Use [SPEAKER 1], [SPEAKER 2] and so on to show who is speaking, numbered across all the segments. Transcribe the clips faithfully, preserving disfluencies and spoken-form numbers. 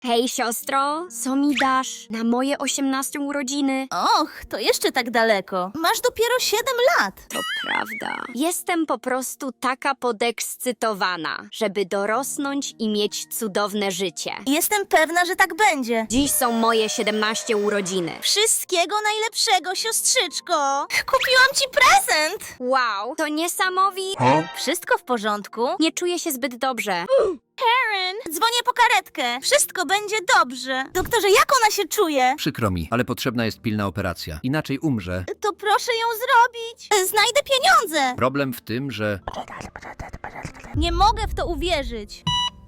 [SPEAKER 1] Hej, siostro, co mi dasz na moje osiemnaste urodziny?
[SPEAKER 2] Och, to jeszcze tak daleko. Masz dopiero siedem lat.
[SPEAKER 1] To prawda. Jestem po prostu taka podekscytowana, żeby dorosnąć i mieć cudowne życie.
[SPEAKER 2] Jestem pewna, że tak będzie.
[SPEAKER 1] Dziś są moje siedemnaste urodziny.
[SPEAKER 2] Wszystkiego najlepszego, siostrzyczko. Kupiłam ci prezent.
[SPEAKER 1] Wow, to niesamowite.
[SPEAKER 2] Wszystko w porządku?
[SPEAKER 1] Nie czuję się zbyt dobrze.
[SPEAKER 2] Karen, dzwonię po karetkę. Wszystko będzie dobrze. Doktorze, jak ona się czuje?
[SPEAKER 3] Przykro mi, ale potrzebna jest pilna operacja. Inaczej umrze.
[SPEAKER 2] To proszę ją zrobić. Znajdę pieniądze.
[SPEAKER 3] Problem w tym, że...
[SPEAKER 2] Nie mogę w to uwierzyć.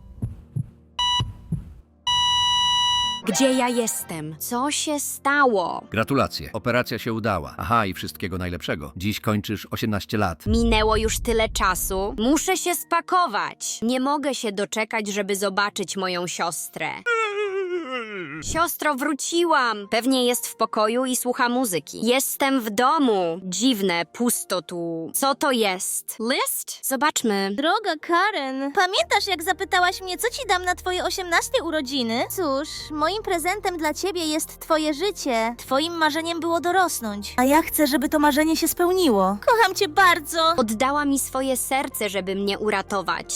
[SPEAKER 1] Gdzie ja jestem? Co się stało?
[SPEAKER 3] Gratulacje, operacja się udała. Aha, i wszystkiego najlepszego. Dziś kończysz osiemnaście lat.
[SPEAKER 1] Minęło już tyle czasu. Muszę się spakować. Nie mogę się doczekać, żeby zobaczyć moją siostrę. Siostro, wróciłam. Pewnie jest w pokoju i słucha muzyki. Jestem w domu. Dziwne, pusto tu. Co to jest? List? Zobaczmy.
[SPEAKER 2] Droga Karen, pamiętasz jak zapytałaś mnie, co ci dam na twoje osiemnaste urodziny? Cóż, moim prezentem dla ciebie jest twoje życie. Twoim marzeniem było dorosnąć. A ja chcę, żeby to marzenie się spełniło. Kocham cię bardzo.
[SPEAKER 1] Oddała mi swoje serce, żeby mnie uratować.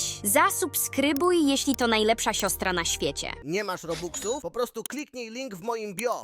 [SPEAKER 1] Zasubskrybuj, jeśli to najlepsza siostra na świecie.
[SPEAKER 4] Nie masz Robuxów? Po prostu kliknij link w moim bio.